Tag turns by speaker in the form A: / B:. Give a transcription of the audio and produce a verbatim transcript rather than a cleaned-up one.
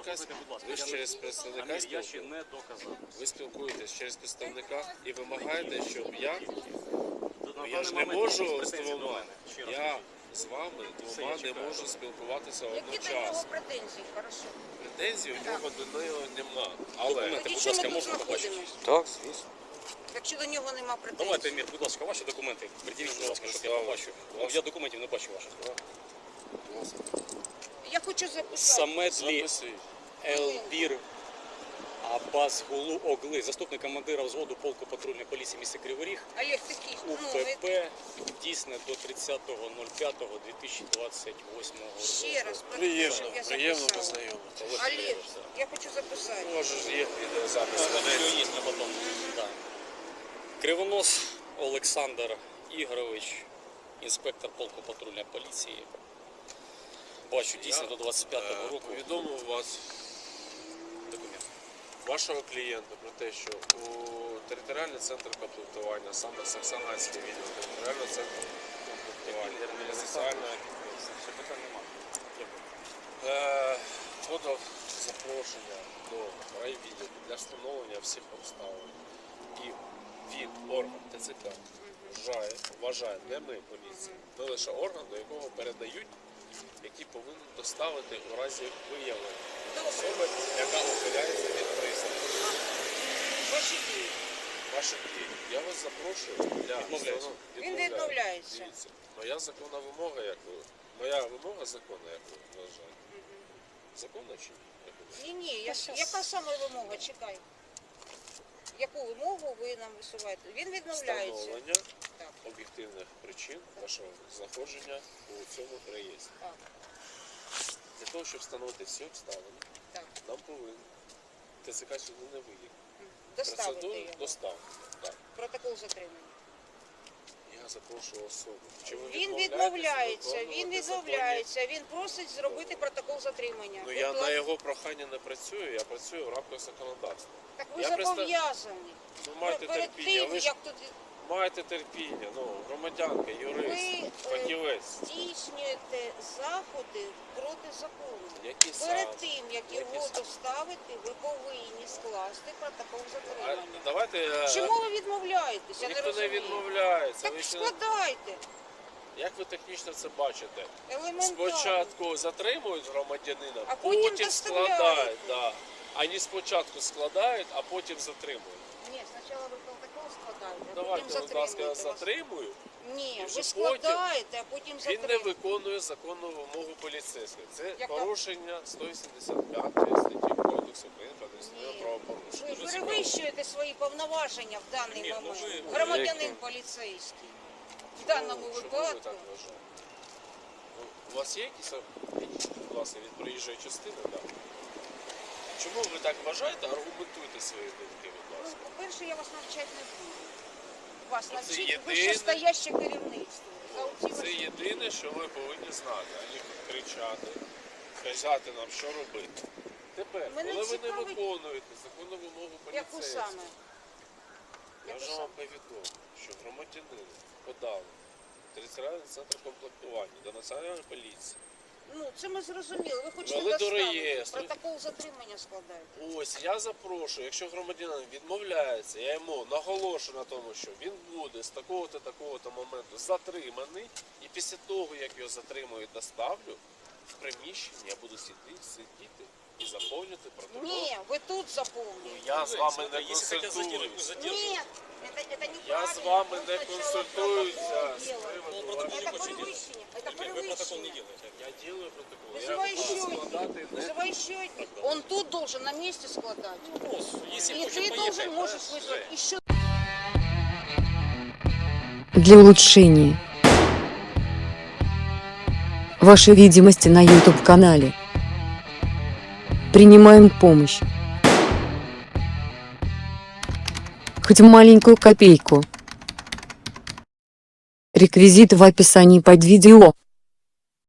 A: представника,
B: Будь ласка,
A: ви ж
B: я
A: через
B: не-
A: представника
B: Амір, я ще
A: спілкуєтесь?
B: не доказав.
A: Ви спілкуєтесь через представника і вимагаєте, щоб я,
B: На
A: ну, я
B: даний
A: ж не
B: момент
A: можу
B: якісь
A: з
B: претензії до
A: двома,
B: мене. Ще раз
A: я
B: кажу.
A: з вами
B: Все,
A: двома
B: я
A: не
B: чекаю.
A: можу спілкуватися
C: Які до нього
A: одночасно.
C: претензії? Хорошо.
A: Претензій у нього до нього нема. Але,
B: Документи,
C: Тоді
B: будь
C: чому
B: ласка,
C: ми тут
B: можна побачити?
C: знаходимося?
A: так, звісно.
C: Якщо до нього нема претензій.
B: Давайте, Мір, будь ласка, ваші документи. Приділіть, будь ласка, щоб я
A: Слава.
B: побачив. Ну, я документів не бачу ваших.
C: Я хочу записати.
B: Самедлі
A: Записуй.
B: Елбір Абазгулу Огли, заступник командира взводу полку патрульної поліції міста Кривий Ріг,
C: Олег, такий, ну, ви
B: УПП, дійсне до тридцятого п'ятого дві тисячі двадцять восьмого року.
C: ще раз, прошу,
A: Приємно,
C: щоб я
A: приємно
C: записала.
A: познайомитися.
C: Олег, я хочу записати.
A: У вас же ж є відеозапис.
B: Все є на потом. Да. Кривонос Олександр Ігорович, інспектор полку патрульної поліції. Бачу, дійсно до двадцять п'ятого
A: Е,
B: року.
A: Повідомив вас,
B: Документ.
A: вашого клієнта, про те, що у територіальний центр комплектування, саме Саксаганський відділ територіального центру комплектування, і соціальної
B: Ще питань немає.
A: Е, подав запрошення до райвідділу для встановлення всіх обставин. І він, орган ТЦК, вважає, вважає, не ми, поліція, не лише орган, до якого передають, який повинен доставити у разі виявлення особи, яка ухиляється від присягу.
C: Ваші дії.
A: Ваші дії. Я вас запрошую для
B: Відмовляється.
A: встановлення-
C: Він відмовляється.
A: Дивіться, моя законна вимога, як ви, моя вимога законна, як ви вважаєте. Законна чи ні? Як ви вважаєте?
C: Ні, ні, я, яка саме вимога? Чекай. Яку вимогу ви нам висуваєте? Він відмовляється.
A: Встановлення
C: Так.
A: об'єктивних причин вашого знаходження у цьому реєстрі.
C: Так,
A: Для того, щоб встановити всі обставини,
C: так.
A: нам повинен ТЦК сюди не виїхати.
C: Доставити
A: Процедуру
C: його.
A: доставки. Так.
C: Протокол затримання.
A: Я запрошую особу. Чи ви
C: Він
A: відмовляєтесь
C: відмовляється, він
A: виконувати
C: відмовляється, він просить зробити протокол затримання.
A: законні- Ну я
C: Будь
A: на
C: ласка.
A: його прохання не працюю, я працюю в рамках законодавства.
C: Так ви
A: я представ-
C: зобов'язані.
A: Ви маєте
C: Перед
A: терпіння,
C: тим,
A: ви ж
C: як тут
A: маєте терпіння, ну, громадянка, юрист,
C: ви е,
A: фахівець.
C: здійснюєте заходи проти закону.
A: Які
C: Перед
A: саме?
C: тим, як
A: Які
C: його
A: саме?
C: доставити, ви повинні скласти протокол
A: А,
C: затримання.
A: давайте, е,
C: Чому ви відмовляєтеся? Я не
A: ніхто не
C: розумію.
A: відмовляється.
C: Так
A: Ви ще-
C: складайте.
A: Як ви технічно це бачите?
C: Елементарно.
A: Спочатку затримують громадянина,
C: А потім
A: потім
C: доставляють.
A: складають. Да. Ані спочатку складають, а потім затримують.
C: Ні, спочатку ви протокол складаєте, а
A: Давайте,
C: потім
A: будь ласка,
C: затримуєте. вас.
A: затримую.
C: Ні,
A: І вже
C: ви складаєте, а потім
A: Він не
C: затримуєте.
A: виконує законну вимогу поліцейського. Це
C: Яка?
A: порушення сто вісімдесят п'ятої статті Кодексу України про адміністративне
C: Ні.
A: правопорушення.
C: Ви
A: Дуже цікаво.
C: перевищуєте свої повноваження в даний
B: Ні, ну
C: момент.
B: ви-
C: Громадянин
A: Які?
C: поліцейський. В даному
A: Ну, чому ви
C: випадку.
A: так вважаєте? Ну, у вас є якісь, будь ласка, від проїжджої частини? Да. Чому ви так вважаєте? Аргументуйте свої думки, будь
C: Ну,
A: ласка.
C: по-перше, я вас навчати не буду. Вас
A: Це
C: навчить
A: єдине-
C: вищестояще керівництво. За оці
A: Це
C: ваші-
A: єдине, що ви повинні знати, а не кричати, казати нам, що робити. Тепер,
C: Мене
A: коли ви не
C: цікавить-
A: виконуєте законну вимогу
C: Яку
A: поліцейського,
C: саме?
A: я
C: Яку
A: вже
C: саме?
A: вам повідомив, що громадянин подав в територіальний центр комплектування до Національної поліції.
C: Ну, це ми зрозуміли. Ви хочете
A: Ввели до
C: доставити.
A: реєстру.
C: Протокол затримання складаєте.
A: Ось, я запрошую, якщо громадянин відмовляється, я йому наголошую на тому, що він буде з такого-то, такого-то моменту затриманий, і після того, як його затримують, доставлю, в приміщенні я буду сидіти, сидіти і заповнювати протокол.
C: Ні, ви тут заповнюєте.
A: Я з вами не
B: Если хотят задерживать,
A: консультуюсь.
B: пусть задерживают.
C: Нет, это, это неправильно.
A: Я з вами не
C: Вы сначала
A: консультуюся
C: протокол
A: з
C: делаете.
A: приводу
B: Ну, протокол
A: ваших-
B: не
C: Это
B: хочет делать.
C: превышение. Это
B: Вы протокол не
C: превышение.
B: делаете.
A: Я делаю протокол. Я
C: Вызывай
A: буду
C: счетчик.
A: складати не
C: Вызывай счетчик. Он тут должен на месте складать.
B: Ну, если
C: И
B: хочет
C: ты
B: поехать,
C: должен
B: да,
C: можешь вызвать
B: Жень.
C: еще.
D: Для улучшения вашей видимости на YouTube-канале принимаем помощь. Хоть маленькую копейку. Реквизиты в описании под видео.